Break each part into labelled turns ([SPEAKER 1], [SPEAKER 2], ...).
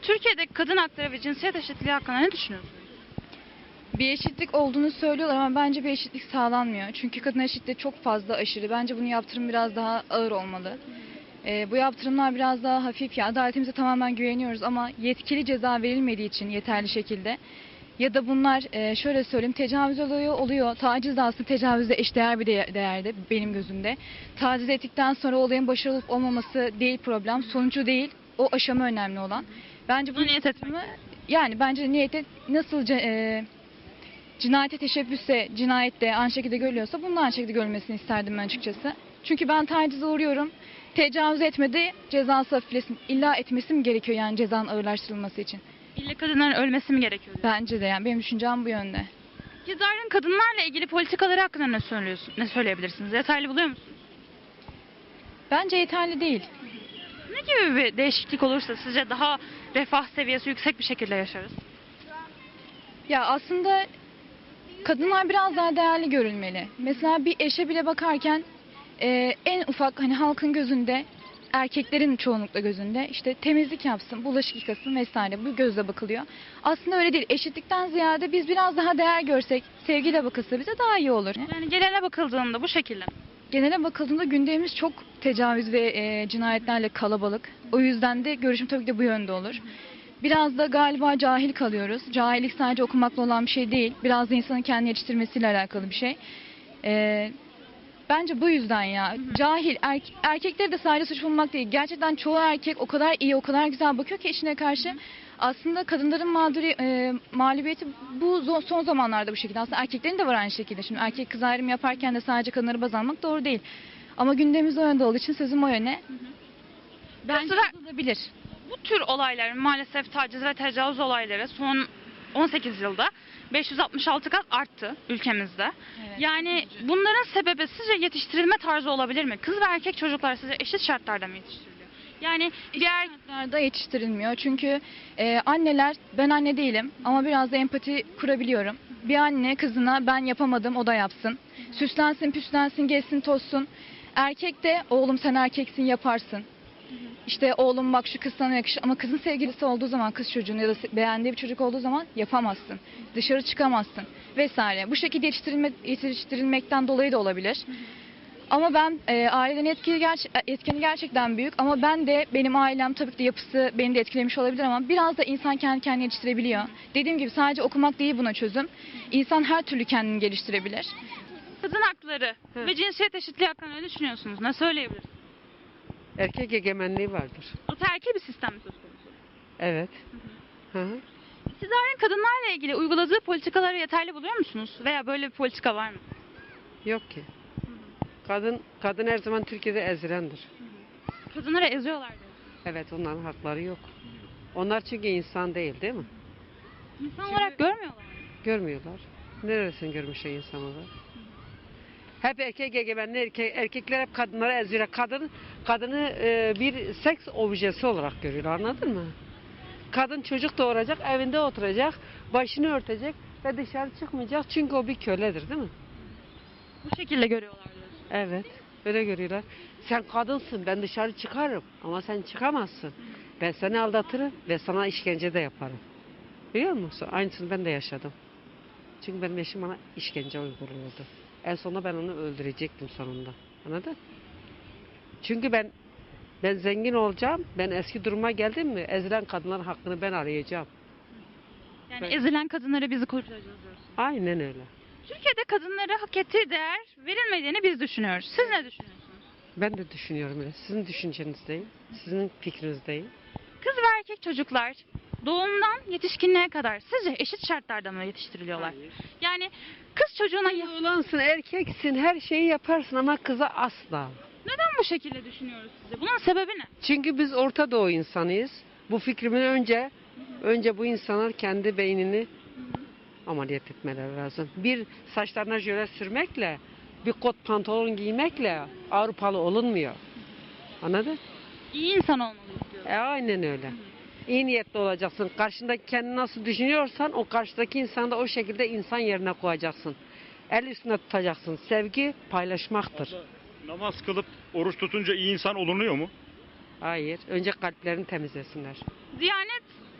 [SPEAKER 1] Türkiye'de kadın hakları ve cinsiyet eşitliği hakkında ne düşünüyorsunuz?
[SPEAKER 2] Bir eşitlik olduğunu söylüyorlar ama bence bir eşitlik sağlanmıyor. Çünkü kadın eşitliği çok fazla aşırı. Bence bunun yaptırım biraz daha ağır olmalı. Bu yaptırımlar biraz daha hafif. Ya adaletimize tamamen güveniyoruz ama yetkili ceza verilmediği için yeterli şekilde. Ya da bunlar şöyle söyleyeyim, tecavüz oluyor. Taciz de aslında tecavüzle eşdeğer bir değerde benim gözümde. Taciz ettikten sonra olayın başarılı olup olmaması değil problem. Sonucu değil, o aşama önemli olan. Bence bu
[SPEAKER 1] Niyet etmek.
[SPEAKER 2] yani bence niyete nasıl cinayete teşebbüsse cinayette aynı şekilde görülüyorsa bunun aynı şekilde görülmesini isterdim ben açıkçası. Çünkü ben tacize uğruyorum. Tecavüz etmedi, cezası hafiflesin. İlla etmesi mi gerekiyor yani cezanın ağırlaştırılması için?
[SPEAKER 1] İlle kadınların ölmesi mi gerekiyor?
[SPEAKER 2] Bence de yani benim düşüncem bu yönde.
[SPEAKER 1] İktidarın kadınlarla ilgili politikaları hakkında ne söyleyebilirsiniz? Yeterli buluyor musunuz?
[SPEAKER 2] Bence yeterli değil.
[SPEAKER 1] Ne gibi bir değişiklik olursa sizce daha refah seviyesi yüksek bir şekilde yaşarız?
[SPEAKER 2] Ya aslında kadınlar biraz daha değerli görülmeli. Mesela bir eşe bile bakarken en ufak hani halkın gözünde, erkeklerin çoğunlukla gözünde işte temizlik yapsın, bulaşık yıkasın vesaire bu gözle bakılıyor. Aslında öyle değil. Eşitlikten ziyade biz biraz daha değer görsek, sevgiyle bakılsa bize daha iyi olur.
[SPEAKER 1] Yani genele bakıldığında bu şekilde.
[SPEAKER 2] Genele bakıldığında gündemimiz çok tecavüz ve cinayetlerle kalabalık. O yüzden de görüşüm tabii ki de bu yönde olur. Biraz da galiba cahil kalıyoruz. Cahillik sadece okumakla olan bir şey değil. Biraz da insanın kendini yetiştirmesiyle alakalı bir şey. Bence bu yüzden ya. Cahil, erkekleri de sadece suç bulmak değil. Gerçekten çoğu erkek o kadar iyi, o kadar güzel bakıyor ki eşine karşı. Aslında kadınların mağlubiyeti bu son zamanlarda bu şekilde. Aslında erkeklerin de var aynı şekilde. Şimdi erkek kız ayrımı yaparken de sadece kadınları baz almak doğru değil. Ama gündemimiz o yönde olduğu için sözüm o yöne. Bence
[SPEAKER 1] Mesela
[SPEAKER 2] yazılabilir.
[SPEAKER 1] bu tür olaylar maalesef taciz ve tecavüz olayları son 18 yılda 566 kat arttı ülkemizde.
[SPEAKER 2] Evet.
[SPEAKER 1] Yani bunların sebebi sizce yetiştirilme tarzı olabilir mi? Kız ve erkek çocuklar sizce eşit şartlarda mı yetiştiriliyor? Yani diğer
[SPEAKER 2] Şartlarda yetiştirilmiyor. Çünkü anneler, ben anne değilim ama biraz da empati kurabiliyorum. Bir anne kızına ben yapamadım o da yapsın. Süslensin, püslensin, gezsin, tozsun. Erkek de oğlum sen erkeksin yaparsın. İşte oğlum bak şu kız sana yakışır ama kızın sevgilisi olduğu zaman kız çocuğun ya da beğendiği bir çocuk olduğu zaman yapamazsın. Dışarı çıkamazsın vesaire. Bu şekilde yetiştirilmekten dolayı da olabilir. Ama ben ailenin etkeni gerçekten büyük ama ben de benim ailem tabii ki de yapısı beni de etkilemiş olabilir ama biraz da insan kendi kendini yetiştirebiliyor. Dediğim gibi sadece okumak değil buna çözüm. İnsan her türlü kendini geliştirebilir.
[SPEAKER 1] kadın hakları ve cinsiyet eşitliği hakkında ne düşünüyorsunuz? Ne söyleyebilirsiniz?
[SPEAKER 3] Erkek egemenliği vardır.
[SPEAKER 1] Ataerkil bir sistem mi söz konusu?
[SPEAKER 3] Evet. Hı hı.
[SPEAKER 1] İktidarın kadınlarla ilgili uyguladığı politikaları yeterli buluyor musunuz? Veya böyle bir politika var mı?
[SPEAKER 3] Yok ki. Kadın her zaman Türkiye'de ezilendir.
[SPEAKER 1] Kadınları eziyorlar diyor.
[SPEAKER 3] Evet, onların hakları yok. Onlar çünkü insan değil mi?
[SPEAKER 1] İnsan olarak görmüyorlar mı?
[SPEAKER 3] Görmüyorlar. Neresini görmüşler insan olarak? Hep erkek egemenli, erkekler hep kadınları eziyor. Kadını bir seks objesi olarak görüyorlar, anladın mı? Kadın çocuk doğuracak, evinde oturacak, başını örtecek ve dışarı çıkmayacak çünkü o bir köledir, değil mi?
[SPEAKER 1] Bu şekilde görüyorlar diyorsun.
[SPEAKER 3] Evet, öyle görüyorlar. Sen kadınsın, ben dışarı çıkarım ama sen çıkamazsın. Ben seni aldatırım ve sana işkence de yaparım. Biliyor musun? Aynısını ben de yaşadım. Çünkü benim eşim bana işkence uyguluyordu. En sonunda ben onu öldürecektim sonunda. Anladın? Çünkü ben zengin olacağım. Ben eski duruma geldim mi ezilen kadınların hakkını ben arayacağım.
[SPEAKER 1] Yani
[SPEAKER 3] Evet.
[SPEAKER 1] ezilen kadınları bizi kurtaracağız diyorsun.
[SPEAKER 3] Aynen öyle.
[SPEAKER 1] Türkiye'de kadınlara hak ettiği değer verilmediğini biz düşünüyoruz. Siz ne düşünüyorsunuz?
[SPEAKER 3] Ben de düşünüyorum öyle. Sizin düşüncenizdeyim. Sizin fikrinizdeyim.
[SPEAKER 1] Kız ve erkek çocuklar doğumdan yetişkinliğe kadar sizce eşit şartlarda mı yetiştiriliyorlar?
[SPEAKER 3] Hayır.
[SPEAKER 1] Yani kız çocuğuna
[SPEAKER 3] Oğlansın, erkeksin, her şeyi yaparsın ama kıza asla.
[SPEAKER 1] neden bu şekilde düşünüyoruz size? Bunun sebebi ne?
[SPEAKER 3] Çünkü biz Orta Doğu insanıyız. Bu fikrimin önce bu insanlar kendi beynini ameliyat etmeleri lazım. Bir saçlarına jöle sürmekle, bir kot pantolon giymekle Avrupalı olunmuyor. Anladın?
[SPEAKER 1] İyi insan olmalıyız diyor.
[SPEAKER 3] Aynen öyle. İyi niyetli olacaksın. Karşındaki kendini nasıl düşünüyorsan o karşıdaki insanı da o şekilde insan yerine koyacaksın. El üstüne tutacaksın. Sevgi paylaşmaktır.
[SPEAKER 4] Namaz kılıp oruç tutunca iyi insan olunuyor mu?
[SPEAKER 3] Hayır. Önce kalplerini temizlesinler.
[SPEAKER 1] Diyanet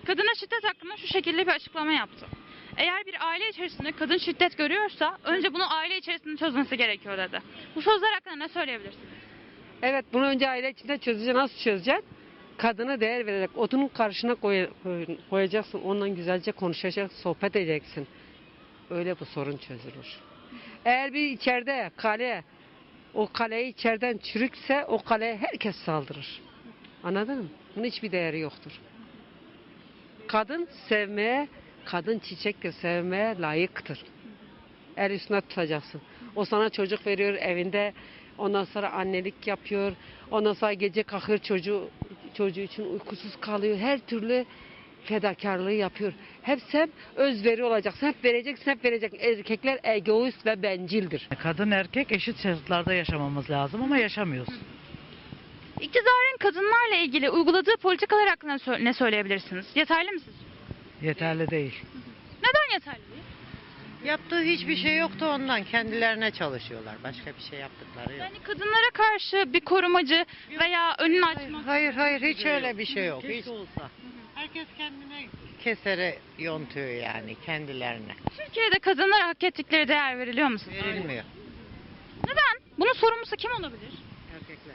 [SPEAKER 1] kadına şiddet hakkında şu şekilde bir açıklama yaptı. Eğer bir aile içerisinde kadın şiddet görüyorsa önce bunu aile içerisinde çözmesi gerekiyor dedi. Bu sözler hakkında ne söyleyebilirsiniz?
[SPEAKER 3] Evet, bunu önce aile içinde çözeceksin. Nasıl çözeceksin? Kadına değer vererek odunun karşına koyacaksın. Ondan güzelce konuşacaksın, sohbet edeceksin. Öyle bu sorun çözülür. Eğer bir içeride kale, o kaleyi içeriden çürükse o kaleye herkes saldırır. Anladın mı? Bunun hiçbir değeri yoktur. Kadın sevmeye, kadın çiçektir, sevmeye layıktır. El üstüne tutacaksın. O sana çocuk veriyor evinde. Ondan sonra annelik yapıyor. Ondan sonra gece kalkıyor çocuğu için uykusuz kalıyor. Her türlü fedakarlığı yapıyor. Hep sen özveri olacaksın. Hep vereceksin, hep vereceksin. Erkekler egoist ve bencildir.
[SPEAKER 5] Kadın erkek eşit şartlarda yaşamamız lazım ama yaşamıyoruz.
[SPEAKER 1] İktidarın kadınlarla ilgili uyguladığı politikalar hakkında ne söyleyebilirsiniz? Yeterli mi sizce?
[SPEAKER 5] Yeterli değil.
[SPEAKER 1] Neden yeterli değil?
[SPEAKER 6] Yaptığı hiçbir şey yoktu ondan. Kendilerine çalışıyorlar. Başka bir şey yaptıkları yok.
[SPEAKER 1] Yani kadınlara karşı bir korumacı veya önünü açma.
[SPEAKER 6] Hayır hayır hiç öyle bir şey yok. Hiç.
[SPEAKER 5] Keşke olsa.
[SPEAKER 6] Herkes kendine kesere yontuyor yani kendilerine.
[SPEAKER 1] Türkiye'de kadınlara hak ettikleri değer veriliyor mu sizce?
[SPEAKER 6] Verilmiyor.
[SPEAKER 1] Neden? Bunun sorumlusu kim olabilir?
[SPEAKER 6] Erkekler.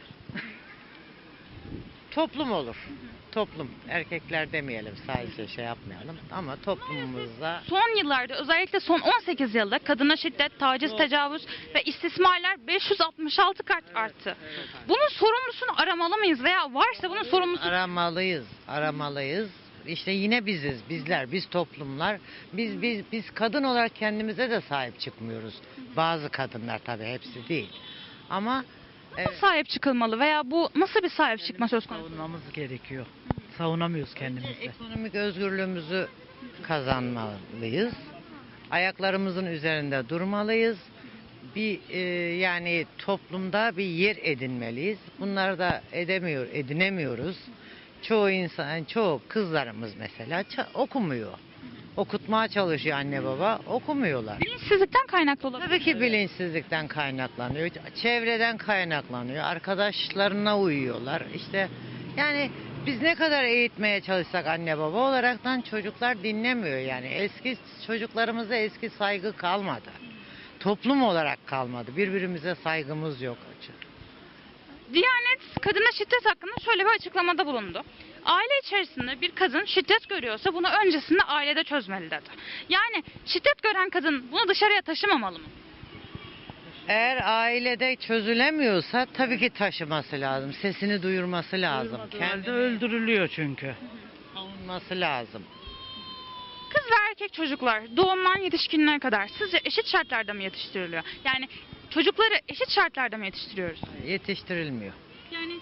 [SPEAKER 6] Toplum olur. Toplum. Erkekler demeyelim sadece şey yapmayalım ama toplumumuzda
[SPEAKER 1] Son yıllarda özellikle son 18 yılda kadına şiddet, taciz, tecavüz ve istismarlar 566 kat arttı. Bunun sorumlusunu aramalı mıyız veya varsa bunun sorumlusu
[SPEAKER 6] aramalıyız. İşte yine biz toplumlar, biz kadın olarak kendimize de sahip çıkmıyoruz. Bazı kadınlar tabii hepsi değil. Ama
[SPEAKER 1] nasıl sahip çıkılmalı veya bu nasıl bir sahip çıkma söz konusu?
[SPEAKER 5] Savunmamız gerekiyor. Savunamıyoruz kendimizi.
[SPEAKER 6] ekonomik özgürlüğümüzü kazanmalıyız. Ayaklarımızın üzerinde durmalıyız. Yani toplumda bir yer edinmeliyiz. Bunları da edinemiyoruz. Çoğu kızlarımız mesela okumuyor. Okutmaya çalışıyor anne baba, okumuyorlar.
[SPEAKER 1] Bilinçsizlikten kaynaklı olabilir.
[SPEAKER 6] Tabii ki bilinçsizlikten kaynaklanıyor, çevreden kaynaklanıyor, arkadaşlarına uyuyorlar. İşte yani biz ne kadar eğitmeye çalışsak anne baba olaraktan çocuklar dinlemiyor yani. Çocuklarımıza eski saygı kalmadı. Toplum olarak kalmadı. Birbirimize saygımız yok.
[SPEAKER 1] Diyanet kadına şiddet hakkında şöyle bir açıklamada bulundu. Aile içerisinde bir kadın şiddet görüyorsa bunu öncesinde ailede çözmeli dedi. Yani şiddet gören kadın bunu dışarıya taşımamalı mı?
[SPEAKER 6] Eğer ailede çözülemiyorsa tabii ki taşıması lazım. Sesini duyurması lazım.
[SPEAKER 5] Kendi öldürülüyor çünkü.
[SPEAKER 6] Savunması lazım.
[SPEAKER 1] Kız ve erkek çocuklar doğumdan yetişkinliğe kadar sizce eşit şartlarda mı yetiştiriliyor? Yani çocukları eşit şartlarda mı yetiştiriyoruz?
[SPEAKER 6] Yetiştirilmiyor.
[SPEAKER 1] Yani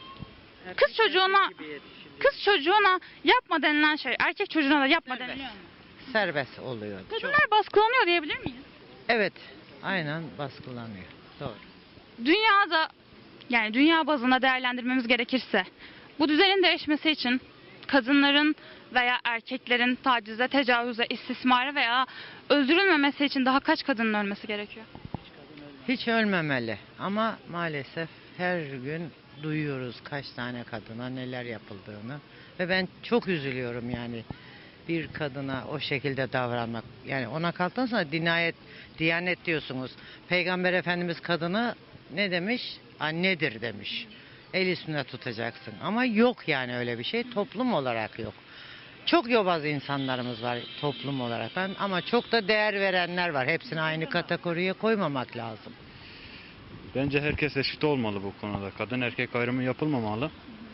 [SPEAKER 1] kız çocuğuna yapma denilen şey erkek çocuğuna da yapma deniliyor mu?
[SPEAKER 6] Serbest oluyor.
[SPEAKER 1] Kadınlar baskılanıyor diyebilir miyiz?
[SPEAKER 6] Evet. Aynen baskılanıyor. Doğru.
[SPEAKER 1] Dünyada yani dünya bazında değerlendirmemiz gerekirse bu düzenin değişmesi için kadınların veya erkeklerin tacize, tecavüze, istismara veya öldürülmemesi için daha kaç kadının ölmesi gerekiyor?
[SPEAKER 6] Hiç ölmemeli ama maalesef her gün duyuyoruz kaç tane kadına neler yapıldığını ve ben çok üzülüyorum yani bir kadına o şekilde davranmak. Yani ona kalktıktan sonra diyanet diyorsunuz. Peygamber Efendimiz kadını ne demiş? Annedir demiş. El üstünde tutacaksın. Ama yok yani öyle bir şey. Toplum olarak yok. Çok yobaz insanlarımız var toplum olarak ama çok da değer verenler var. Hepsini aynı kategoriye koymamak lazım.
[SPEAKER 4] Bence herkes eşit olmalı bu konuda. Kadın erkek ayrımı yapılmamalı.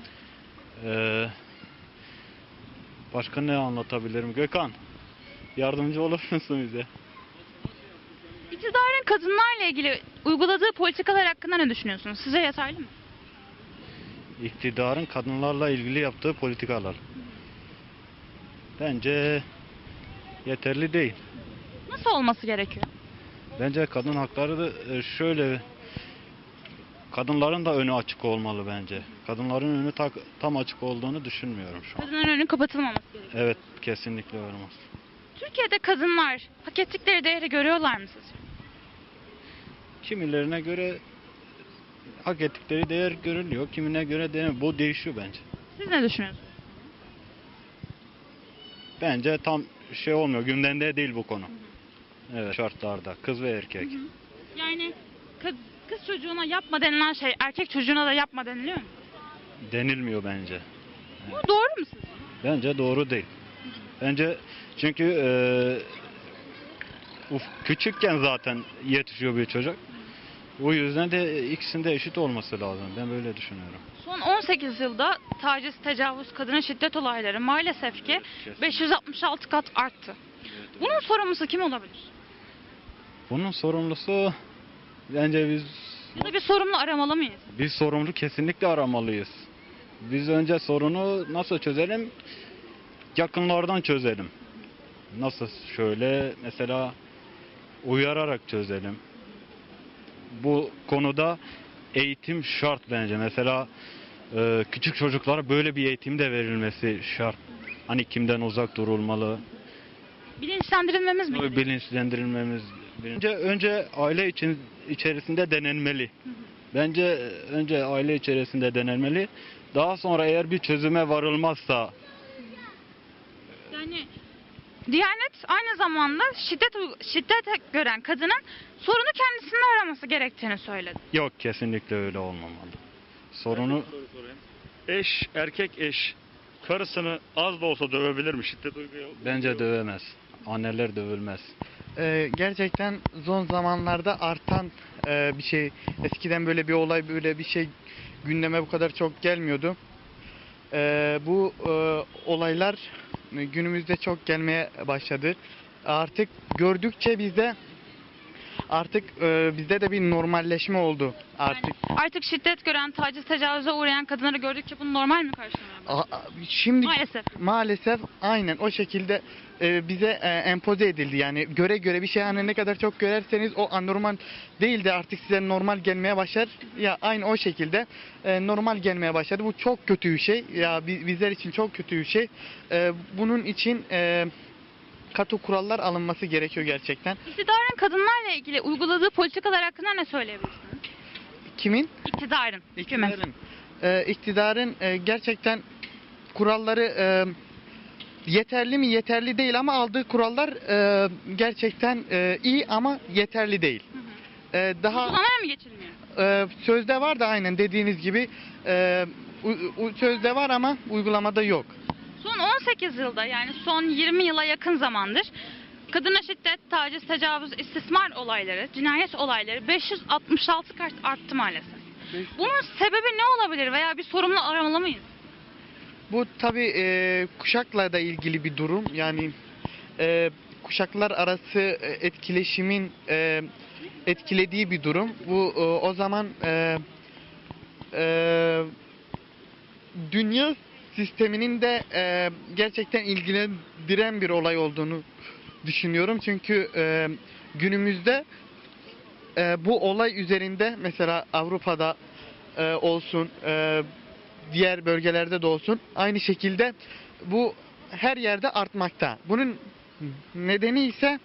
[SPEAKER 4] Başka ne anlatabilirim? Gökhan, yardımcı olur musun bize?
[SPEAKER 1] İktidarın kadınlarla ilgili uyguladığı politikalar hakkında ne düşünüyorsunuz? Sizce yeterli mi?
[SPEAKER 4] İktidarın kadınlarla ilgili yaptığı politikalar. Bence yeterli değil.
[SPEAKER 1] Nasıl olması gerekiyor?
[SPEAKER 4] Bence kadın hakları da şöyle, kadınların da önü açık olmalı bence. Kadınların önü tam açık olduğunu düşünmüyorum şu an.
[SPEAKER 1] Kadınların önü kapatılmaması gerekiyor.
[SPEAKER 4] Evet, kesinlikle olmaz.
[SPEAKER 1] Türkiye'de kadınlar hak ettikleri değeri görüyorlar mı sizce?
[SPEAKER 4] Kimilerine göre hak ettikleri değer görülüyor, kimine göre değer. Bu değişiyor bence.
[SPEAKER 1] Siz ne düşünüyorsunuz?
[SPEAKER 4] bence tam şey olmuyor. Gündemde değil bu konu. Evet, şartlarda kız ve erkek.
[SPEAKER 1] Yani kız çocuğuna yapma denilen şey erkek çocuğuna da yapma deniliyor mu?
[SPEAKER 4] Denilmiyor bence.
[SPEAKER 1] Bu doğru mu sizce?
[SPEAKER 4] Bence doğru değil. Bence çünkü küçükken zaten yetişiyor bir çocuk. O yüzden de ikisinde eşit olması lazım. Ben böyle düşünüyorum.
[SPEAKER 1] Son 18 yılda taciz, tecavüz, kadına şiddet olayları maalesef ki 566 kat arttı. Bunun sorumlusu kim olabilir?
[SPEAKER 4] Bunun sorumlusu bence
[SPEAKER 1] Ya da bir sorumlu aramalı mıyız?
[SPEAKER 4] biz sorumlu kesinlikle aramalıyız. Biz önce sorunu nasıl çözelim? Yakınlardan çözelim. Nasıl? Şöyle mesela uyararak çözelim. Bu konuda eğitim şart bence. Mesela küçük çocuklara böyle bir eğitim de verilmesi şart. Hani kimden uzak durulmalı,
[SPEAKER 1] Bilinçlendirilmemiz mi gerekiyor?
[SPEAKER 4] bilinçlendirilmemiz. Önce aile içerisinde denenmeli. Bence önce aile içerisinde denenmeli. Daha sonra eğer bir çözüme varılmazsa
[SPEAKER 1] Yani Diyanet aynı zamanda şiddet gören kadının sorunu kendisinde araması gerektiğini söyledi.
[SPEAKER 4] yok, kesinlikle öyle olmamalı. Sorunu
[SPEAKER 7] Erkek eş karısını az da olsa dövebilir mi? Şiddet uyguluyor.
[SPEAKER 4] bence dövemez. Anneler dövülmez.
[SPEAKER 8] Gerçekten son zamanlarda artan bir şey. Eskiden böyle bir olay, böyle bir şey gündeme bu kadar çok gelmiyordu. Bu olaylar günümüzde çok gelmeye başladı. Artık gördükçe bizde de bir normalleşme oldu artık.
[SPEAKER 1] Yani artık şiddet gören, taciz, tecavüze uğrayan kadınları gördükçe bunu normal mi karşılamaya başlıyoruz?
[SPEAKER 8] Şimdi
[SPEAKER 1] Maalesef.
[SPEAKER 8] maalesef aynen o şekilde bize empoze edildi. Yani göre bir şey, hani ne kadar çok görerseniz o anormal değil de artık size normal gelmeye başlar. Ya aynı o şekilde normal gelmeye başladı. Bu çok kötü bir şey. Ya bizler için çok kötü bir şey. Bunun için katı kurallar alınması gerekiyor gerçekten.
[SPEAKER 1] İktidarın kadınlarla ilgili uyguladığı politikalar hakkında ne söyleyebilirsiniz?
[SPEAKER 8] Kimin?
[SPEAKER 1] İktidarın. Hükümet.
[SPEAKER 8] İktidarın gerçekten kuralları yeterli mi? Yeterli değil ama aldığı kurallar gerçekten iyi ama yeterli değil. Daha
[SPEAKER 1] Uygulamaya mı geçilmiyor?
[SPEAKER 8] sözde var da aynen dediğiniz gibi sözde var ama uygulamada yok.
[SPEAKER 1] Son 18 yılda yani son 20 yıla yakın zamandır kadına şiddet, taciz, tecavüz, istismar olayları, cinayet olayları 566 kat arttı maalesef. Bunun sebebi ne olabilir veya bir sorumlu aramalı mıyız?
[SPEAKER 8] Bu tabii kuşakla da ilgili bir durum. Yani kuşaklar arası etkileşimin etkilediği bir durum. Bu o zaman dünya sisteminin de gerçekten ilgilendiren bir olay olduğunu düşünüyorum. Çünkü günümüzde bu olay üzerinde mesela Avrupa'da olsun, diğer bölgelerde de olsun aynı şekilde bu her yerde artmakta. Bunun nedeni ise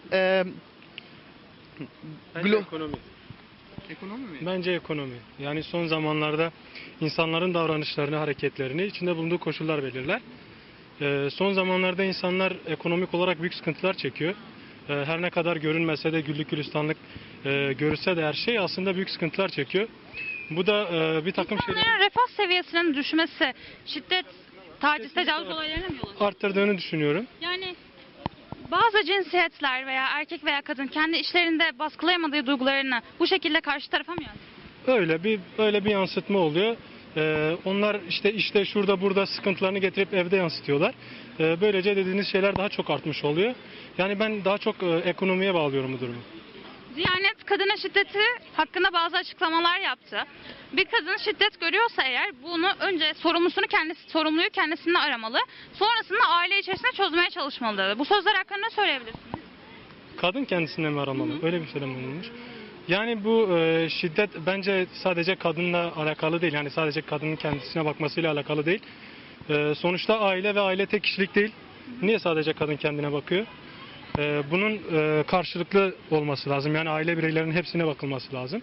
[SPEAKER 7] Bence ekonomi.
[SPEAKER 8] ekonomi mi?
[SPEAKER 7] Bence ekonomi. Yani son zamanlarda insanların davranışlarını, hareketlerini içinde bulunduğu koşullar belirler. Son zamanlarda insanlar ekonomik olarak büyük sıkıntılar çekiyor. Her ne kadar görünmese de güllük gülistanlık görülse de her şey aslında büyük sıkıntılar çekiyor. Bu da bir takım şeyler
[SPEAKER 1] İnsanların refah seviyesinin düşmesi, şiddet, taciz, tecavüz olaylarına mı yol açıyor?
[SPEAKER 7] arttırdığını düşünüyorum.
[SPEAKER 1] Yani bazı cinsiyetler veya erkek veya kadın kendi işlerinde baskılayamadığı duygularını bu şekilde karşı tarafa mı yansıtıyor?
[SPEAKER 7] Öyle bir yansıtma oluyor. Onlar işte şurada burada sıkıntılarını getirip evde yansıtıyorlar. Böylece dediğiniz şeyler daha çok artmış oluyor. Yani ben daha çok ekonomiye bağlıyorum bu durumu.
[SPEAKER 1] Diyanet kadına şiddeti hakkında bazı açıklamalar yaptı. Bir kadın şiddet görüyorsa eğer bunu önce sorumluyu kendisinde aramalı. Sonrasında aile içerisinde çözmeye çalışmalı dedi. Bu sözler hakkında ne söyleyebilirsiniz?
[SPEAKER 7] Kadın kendisine mi aramalı? Öyle bir söylem bulunmuş. Yani bu şiddet bence sadece kadınla alakalı değil. Yani sadece kadının kendisine bakmasıyla alakalı değil. Sonuçta aile ve aile tek kişilik değil. Niye sadece kadın kendine bakıyor? Bunun karşılıklı olması lazım. Yani aile bireylerinin hepsine bakılması lazım.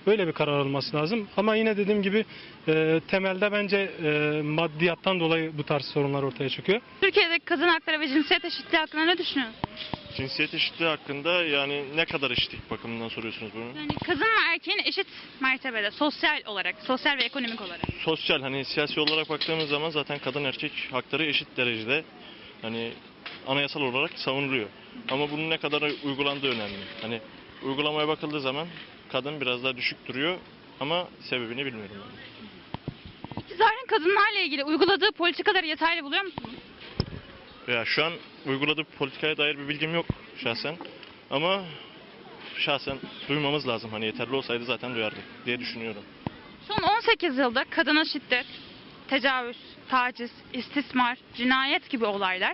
[SPEAKER 7] Böyle bir karar alınması lazım. Ama yine dediğim gibi temelde bence maddiyattan dolayı bu tarz sorunlar ortaya çıkıyor.
[SPEAKER 1] Türkiye'deki kadın hakları ve cinsiyet eşitliği hakkında ne düşünüyorsunuz?
[SPEAKER 9] Cinsiyet eşitliği hakkında yani ne kadar eşitlik bakımından soruyorsunuz bunu?
[SPEAKER 1] Yani kadın ve erkeğin eşit mertebede, sosyal olarak, sosyal ve ekonomik olarak.
[SPEAKER 9] Sosyal hani siyasi olarak baktığımız zaman zaten kadın erkek hakları eşit derecede hani anayasal olarak savunuluyor. Ama bunun ne kadar uygulandığı önemli. Hani uygulamaya bakıldığı zaman kadın biraz daha düşük duruyor ama sebebini bilmiyorum. Yani.
[SPEAKER 1] İktidarın kadınlarla ilgili uyguladığı politikaları yeterli buluyor musunuz?
[SPEAKER 9] Ya şu an uyguladığı politikaya dair bir bilgim yok şahsen. Ama şahsen duymamız lazım. Hani yeterli olsaydı zaten duyardık diye düşünüyorum.
[SPEAKER 1] Son 18 yılda kadına şiddet, tecavüz, taciz, istismar, cinayet gibi olaylar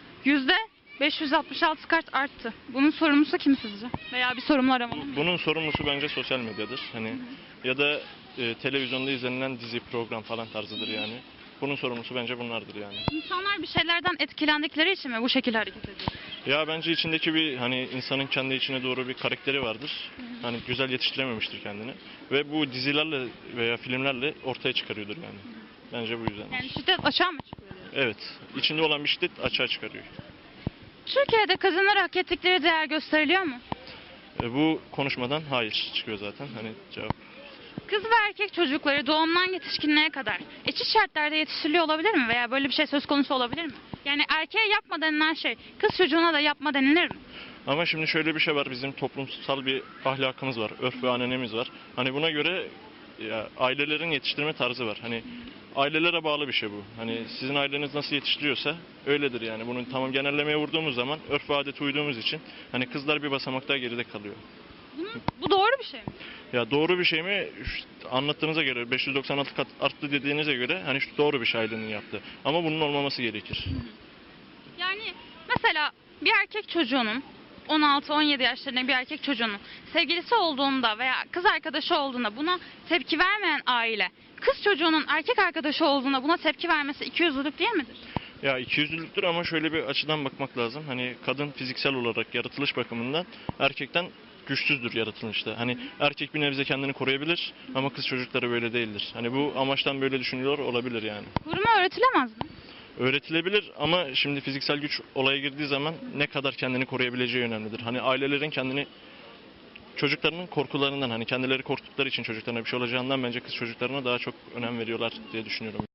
[SPEAKER 1] %566 kat arttı. Bunun sorumlusu kim sizce? Veya bir sorumlu aramalı mı?
[SPEAKER 9] Bunun sorumlusu bence sosyal medyadır. Hani ya da televizyonda izlenilen dizi, program falan tarzıdır yani. Bunun sorumlusu bence bunlardır yani.
[SPEAKER 1] İnsanlar bir şeylerden etkilendikleri için mi bu şekilde hareket ediyor?
[SPEAKER 9] Ya bence içindeki bir hani insanın kendi içine doğru bir karakteri vardır. Hani güzel yetiştirememiştir kendini. Ve bu dizilerle veya filmlerle ortaya çıkarıyordur yani. Bence bu yüzden.
[SPEAKER 1] Yani şiddet açığa mı çıkıyor?
[SPEAKER 9] Evet. İçinde olan bir şiddet açığa çıkarıyor.
[SPEAKER 1] Türkiye'de kadınlara hak ettikleri değer gösteriliyor mu?
[SPEAKER 9] Bu konuşmadan hayır çıkıyor zaten. Hani cevap.
[SPEAKER 1] Kız ve erkek çocukları doğumdan yetişkinliğe kadar eşit şartlarda yetiştiriliyor olabilir mi? Veya böyle bir şey söz konusu olabilir mi? Yani erkeğe yapma denilen şey kız çocuğuna da yapma denilir mi?
[SPEAKER 9] Ama şimdi şöyle bir şey var. Bizim toplumsal bir ahlakımız var. Örf ve ananemiz var. Hani buna göre ya, ailelerin yetiştirme tarzı var. Hani ailelere bağlı bir şey bu. Hani sizin aileniz nasıl yetiştiriyorsa öyledir yani. Bunu tamam genellemeye vurduğumuz zaman örf ve adete uyduğumuz için hani kızlar bir basamak daha geride kalıyor.
[SPEAKER 1] Bu doğru bir şey mi?
[SPEAKER 9] Ya doğru bir şey mi? Anlattığınıza göre 596 kat arttı dediğinize göre hani doğru bir şey ailenin yaptığı. Ama bunun olmaması gerekir.
[SPEAKER 1] Yani mesela bir erkek çocuğunun 16-17 yaşlarında bir erkek çocuğunun sevgilisi olduğunda veya kız arkadaşı olduğunda buna tepki vermeyen aile, kız çocuğunun erkek arkadaşı olduğunda buna tepki vermesi ikiyüzlülük değil midir?
[SPEAKER 9] Ya ikiyüzlülüktür ama şöyle bir açıdan bakmak lazım. Hani kadın fiziksel olarak yaratılış bakımından erkekten güçsüzdür yaratılışta. Hani erkek bir nebze kendini koruyabilir ama kız çocukları böyle değildir. Hani bu amaçtan böyle düşünüyor olabilir yani.
[SPEAKER 1] Koruma öğretilemez mi?
[SPEAKER 9] Öğretilebilir ama şimdi fiziksel güç olaya girdiği zaman ne kadar kendini koruyabileceği önemlidir. Hani ailelerin kendini çocuklarının korkularından hani kendileri korktukları için çocuklarına bir şey olacağından bence kız çocuklarına daha çok önem veriyorlar diye düşünüyorum.